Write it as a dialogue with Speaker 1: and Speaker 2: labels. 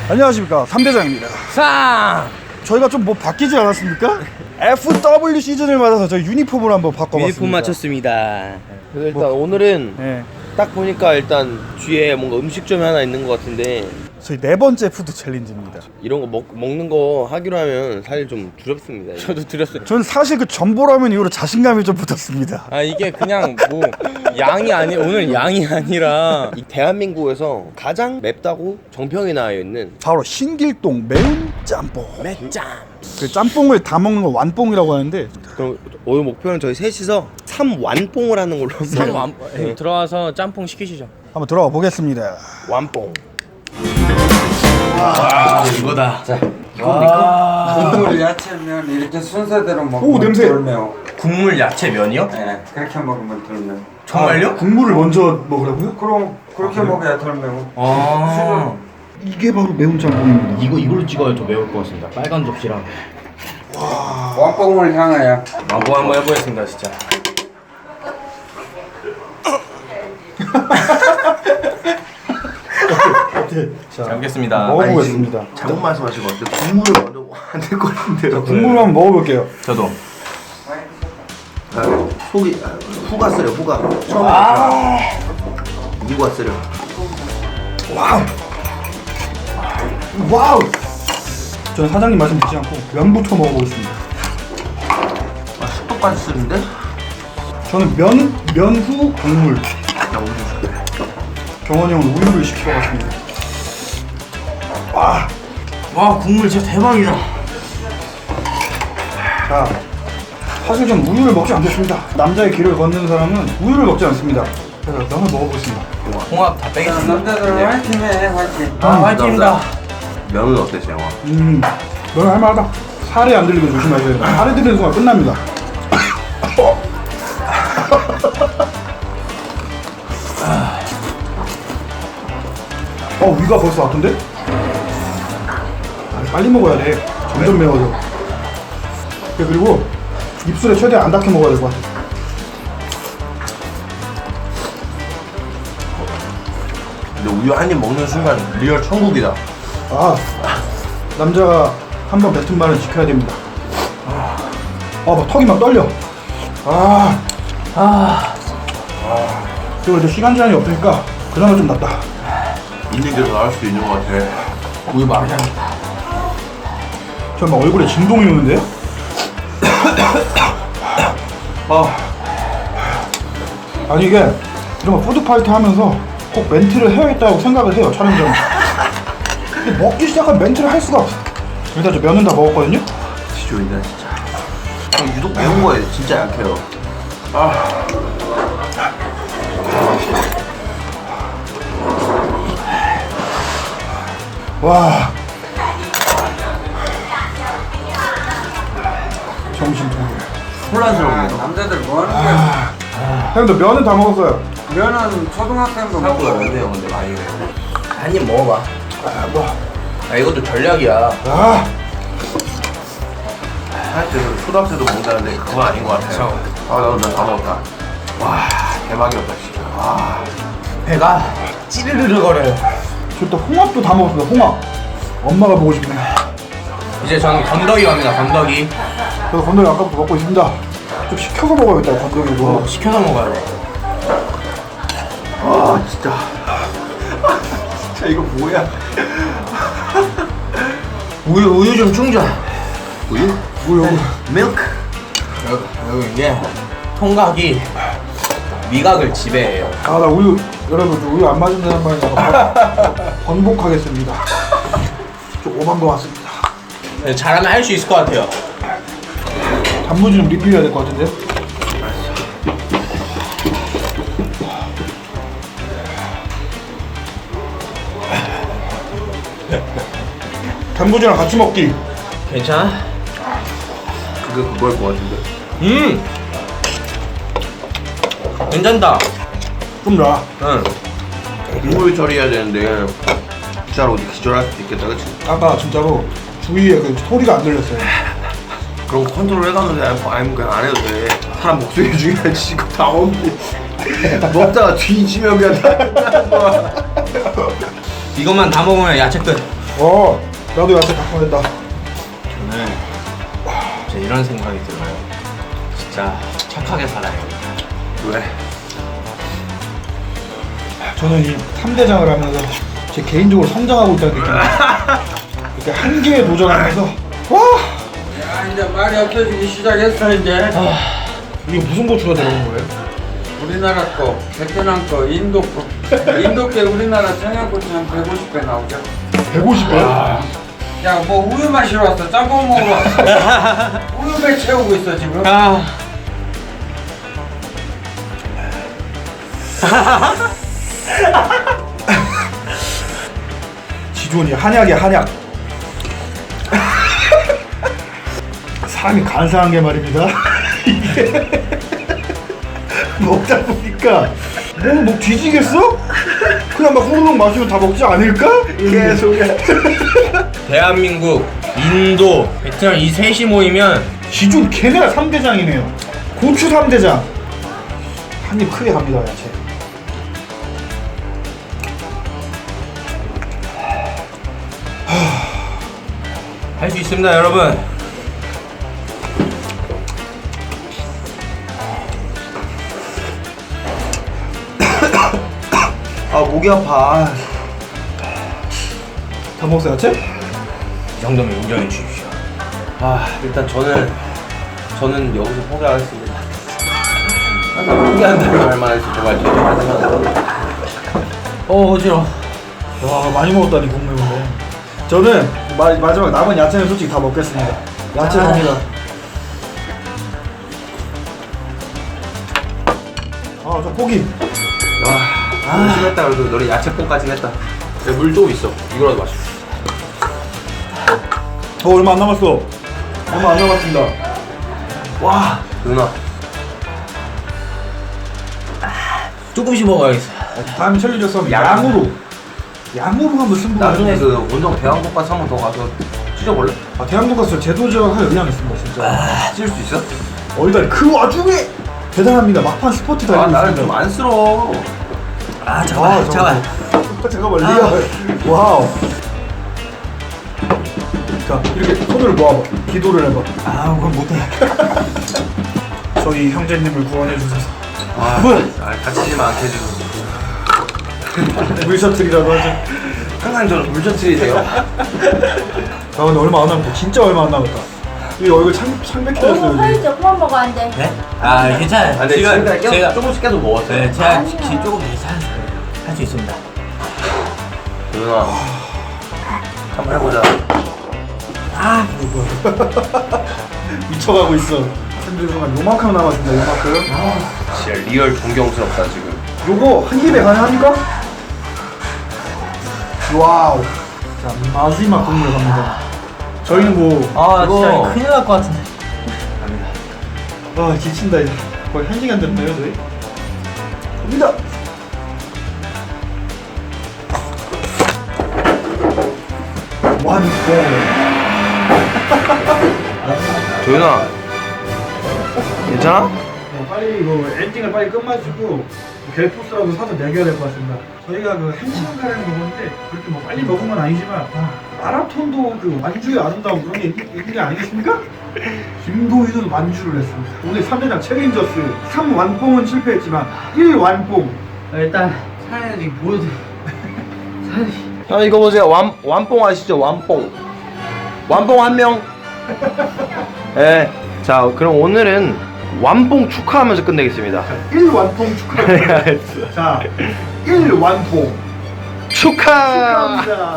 Speaker 1: 안녕하십니까, 삼대장입니다.
Speaker 2: 상!
Speaker 1: 저희가 좀 뭐 바뀌지 않았습니까? FW 시즌을 맞아서 저희 유니폼을 한번 바꿔봤습니다.
Speaker 2: 유니폼 맞췄습니다.
Speaker 3: 그래서 일단 오늘은
Speaker 1: 네,
Speaker 3: 딱 보니까 일단 뒤에 뭔가 음식점이 하나 있는 것 같은데
Speaker 1: 저희 4번째 푸드 챌린지입니다.
Speaker 3: 이런 거 먹는 거 하기로 하면 사실 좀 두렵습니다. 이게.
Speaker 2: 저도 드렸어요.
Speaker 1: 저는 사실 그 전보라면 이후로 자신감이 좀 붙었습니다.
Speaker 2: 아 이게 그냥 뭐 양이 아니 오늘 양이 아니라
Speaker 3: 이 대한민국에서 가장 맵다고 정평이 나와 있는
Speaker 1: 바로 신길동 매운 짬뽕.
Speaker 2: 맵짱.
Speaker 1: 그 짬뽕을 다 먹는 거 완뽕이라고 하는데,
Speaker 3: 그럼 오늘 목표는 저희 셋이서 3완뽕을 하는 걸로
Speaker 2: 참 들어와서 짬뽕 시키시죠.
Speaker 1: 한번 들어가 보겠습니다.
Speaker 3: 완뽕.
Speaker 2: 이거다.
Speaker 4: 국물 야채면 이렇게 순서대로 먹으면
Speaker 1: 오, 냄새.
Speaker 4: 덜 매워.
Speaker 2: 국물 야채 면이요?
Speaker 4: 네, 그렇게 먹으면 덜 매워.
Speaker 2: 정말요?
Speaker 1: 국물을 먼저 먹으라고요?
Speaker 4: 그럼 그렇게 먹어야 덜 매워.
Speaker 2: 아.
Speaker 1: 이게 바로 매운 짬뽕입니다.
Speaker 5: 이걸로 찍어야 더 매울 것 같습니다. 빨간 접시랑.
Speaker 4: 왕뽕을 향하여.
Speaker 2: 뭐 한번 해보겠습니다 진짜. 잘 먹겠습니다.
Speaker 1: 먹어보겠습니다.
Speaker 3: 잘못 말씀하신 것 같아요. 국물을 먼저 안될 것 같은데요.
Speaker 1: 국물 한번 먹어볼게요.
Speaker 2: 저도.
Speaker 3: 속이 후가 쓰려 후가 처음에 이구가 쓰려.
Speaker 1: 와우! 저는 사장님 말씀 듣지 않고 면부터 먹어보겠습니다.
Speaker 3: 속도까지 쓰는데?
Speaker 1: 저는 면후 국물. 경원이 형은 우유를 시켜봤습니다.
Speaker 2: 와 국물 진짜 대박이다.
Speaker 1: 자, 사실 전 우유를 먹지 않겠습니다. 남자의 길을 걷는 사람은 우유를 먹지 않습니다. 그래서 면을 먹어보겠습니다.
Speaker 2: 홍합 다 빼겠습니다.
Speaker 4: 남자들 화이팅해, 화이팅.
Speaker 2: 아 화이팅입니다.
Speaker 3: 면은 어땠어요?
Speaker 1: 면은 할만하다. 살이 안 들리게 조심하셔야 돼요. 살이 들리는 순간 끝납니다. 위가 벌써 아픈데? 빨리 먹어야 돼. 점점 매워져. 그리고 입술에 최대한 안 닿게 먹어야 될 것 같아.
Speaker 3: 근데 우유 한 입 먹는 순간 리얼 천국이다.
Speaker 1: 남자가 한 번 뱉은 말은 지켜야 됩니다. 막 턱이 막 떨려. 그리고 이제 시간 제한이 없으니까 그나마 좀 낫다.
Speaker 3: 있는 게 더 나을 수도 있는 것 같아.
Speaker 2: 우유 말이야.
Speaker 1: 저 막 얼굴에 진동이 오는데요? 아니 이게 이런 거 푸드파이트 하면서 꼭 멘트를 해야겠다고 생각을 해요, 촬영장에. 근데 먹기 시작하면 멘트를 할 수가 없어. 일단 저 면은 다 먹었거든요?
Speaker 3: 지조이다 진짜. 형 유독 매운 거에 진짜 약해요.
Speaker 1: 와, 정신통일.
Speaker 3: 혼란스럽네요.
Speaker 4: 남자들 뭐 하는 거야?
Speaker 1: 형도 면은 다 먹었어요.
Speaker 4: 면은 초등학생도
Speaker 3: 사고가
Speaker 4: 먹어.
Speaker 3: 안 돼요 근데 많이.
Speaker 2: 한 입 먹어봐. 이것도 전략이야.
Speaker 3: 사실 초등학생도 먹는다는데 그건 아닌 것 같아요. 나도 다 먹었다. 와 대박이었다 진짜.
Speaker 2: 배가 찌르르르 거려요.
Speaker 1: 저 또 홍합도 다 먹었습니다. 홍합. 엄마가 보고 싶네요.
Speaker 2: 이제 저는 건더기 갑니다. 건더기.
Speaker 1: 저도 건더기 아까부터 먹고 있습니다. 좀 시켜서 먹어야겠다, 건더기도.
Speaker 2: 시켜서 먹어야 돼.
Speaker 3: 진짜. 진짜 이거 뭐야?
Speaker 2: 우유 좀 충전.
Speaker 3: 우유?
Speaker 1: 우유.
Speaker 3: 밀크?
Speaker 2: 여기 이게 통각이 미각을 지배해요.
Speaker 1: 나 우유, 여러분, 저 우유 안 마신다는 말에 번복하겠습니다. 좀 오만 거 같습니다.
Speaker 2: 잘하면 할 수 있을 것 같아요.
Speaker 1: 단무지 좀 리필해야 될 것 같은데? 단무지랑 같이 먹기.
Speaker 2: 괜찮아?
Speaker 3: 그게 그거일 것 같은데.
Speaker 2: 괜찮다.
Speaker 1: 좀 나.
Speaker 2: 응.
Speaker 3: 국물 처리해야 되는데 진짜로 기절할 수도 있겠다, 그치?
Speaker 1: 아까 진짜로 주위에 그 소리가 안 들렸어요.
Speaker 3: 그런 거 컨트롤 해가면서 아니면 그냥 안 해도 돼. 사람 목소리 중요하지. 이거 다 없는데 먹다가 뒤지면 그냥 다
Speaker 2: 이것만 다 먹으면 야채 끝.
Speaker 1: 나도 야채 닭발했다.
Speaker 2: 저는 진짜 이런 생각이 들어요. 진짜 착하게 살아야겠다.
Speaker 3: 왜?
Speaker 1: 저는 이 3대장을 하면서 제 개인적으로 성장하고 있다는 느낌이 이렇게 한계에 도전하면서 와!
Speaker 4: 야 이제 말이 없어지기 시작했어 이제.
Speaker 1: 이게 무슨 고추가 들어간 거예요?
Speaker 4: 우리나라 거, 베트남 거, 인도 거. 인도 게 우리나라 청양고추 한 150배 나오죠.
Speaker 1: 150배?
Speaker 4: 야 뭐 우유 마시러 왔어? 짬뽕 먹으러 왔어? 우유배 채우고 있어 지금.
Speaker 1: 지존이 한약이야 한약. 사람이 간사한 게 말입니다. 이게 먹다 보니까 뭐 뒤지겠어? 그냥 막 후루룩 마시면 다 먹지 않을까? 계속해.
Speaker 2: 대한민국, 인도, 베트남 이 셋이 모이면
Speaker 1: 지존 걔네가 3대장이네요. 고추 3대장. 한 입 크게 갑니다 야채.
Speaker 2: 할 수 있습니다, 여러분.
Speaker 3: 아 목이 아파.
Speaker 1: 다 먹었어 야채?
Speaker 2: 이 정도면 인정해 주십시오.
Speaker 3: 일단 저는 여기서 포기하겠습니다. 포기한다는 말만 할수 정말 죄송하지만.
Speaker 2: 어지러워.
Speaker 1: 와 많이 먹었다니 국물인데. 저는 마지막 남은 야채는 솔직히 다 먹겠습니다. 야채 갑니다. 저 포기.
Speaker 3: 와, 심했다. 그래도 너네 야채뽕까지 했다.
Speaker 2: 물 좀 있어. 이거라도 마셔.
Speaker 1: 얼마 안 남았어. 얼마 안 남았습니다.
Speaker 3: 와, 누나.
Speaker 2: 조금씩 먹어야겠어.
Speaker 1: 다음에 챌린저스 하면 양으로 한번 승부
Speaker 3: 나중에
Speaker 1: 가져가서.
Speaker 3: 그 원정 대왕돈가스 한 번 더 가서 찢어볼래?
Speaker 1: 대한민국에서 재도전할 의향이 있습니다 진짜.
Speaker 3: 찢을 수 있어?
Speaker 1: 일단 그 와중에 대단합니다. 막판 스포트 달리고
Speaker 3: 나는
Speaker 1: 있습니다.
Speaker 3: 좀 안쓰러워.
Speaker 1: 잠깐만. 잠깐만 리얼. 와우. 자 이렇게 손을 모아봐. 기도를 해봐. 그건 못해. 저희 형제님을 구원해 주셔서.
Speaker 3: 다치지만 않게 해주셔서.
Speaker 1: 물셔틀이라도 하죠.
Speaker 3: 항상 저는 물셔틀이세요.
Speaker 1: 근데 얼마 안 남았다. 진짜 얼마 안 남았다. 이 얼굴 창백해졌어요.
Speaker 6: 너무
Speaker 1: 지금.
Speaker 6: 화이죠? 그만 먹어 안 돼.
Speaker 2: 네? 괜찮아요.
Speaker 3: 근데 지금까지 계속 조금씩 계속 먹었어요.
Speaker 2: 네, 제가
Speaker 6: 아니야.
Speaker 2: 조금 할 수 있습니다.
Speaker 3: 누나, 한번 해보자.
Speaker 1: 미쳐가고 있어. 샌들 순간 요만큼 남았습니다. 요만큼.
Speaker 3: 진짜 리얼 존경스럽다 지금.
Speaker 1: 요거 한 입에 가능합니까? 와우. 자 마지막 국물 갑니다. 저희는 뭐
Speaker 2: 진짜 큰일 날 것 같은데.
Speaker 1: 지친다 이제. 거의 1시간 됐나요 저희? 갑니다. 완성.
Speaker 3: 도윤아, 괜찮아?
Speaker 1: 빨리 이거 엔딩을 빨리 끝마치고 갤포스라도 사서 먹여야 될 것 같습니다. 저희가 그 1시간 가량 먹었는데 그렇게 뭐 빨리 먹은 건 아니지만 마라톤도 그 완주의 아름다움 그런 게 있는 게 아니겠습니까? 김도희는 완주를 했습니다. 오늘 3대장 챌린저스 3완뽕은 실패했지만 1완뽕.
Speaker 2: 일단 사연이 보여드려.
Speaker 3: 형 이거 보세요. 완뽕 아시죠? 완뽕 한 명. 네. 자 그럼 오늘은 완뽕 축하하면서 끝내겠습니다.
Speaker 1: 1완뽕 축하합니다. 자 1완뽕
Speaker 3: 축하.
Speaker 1: 축하합니다.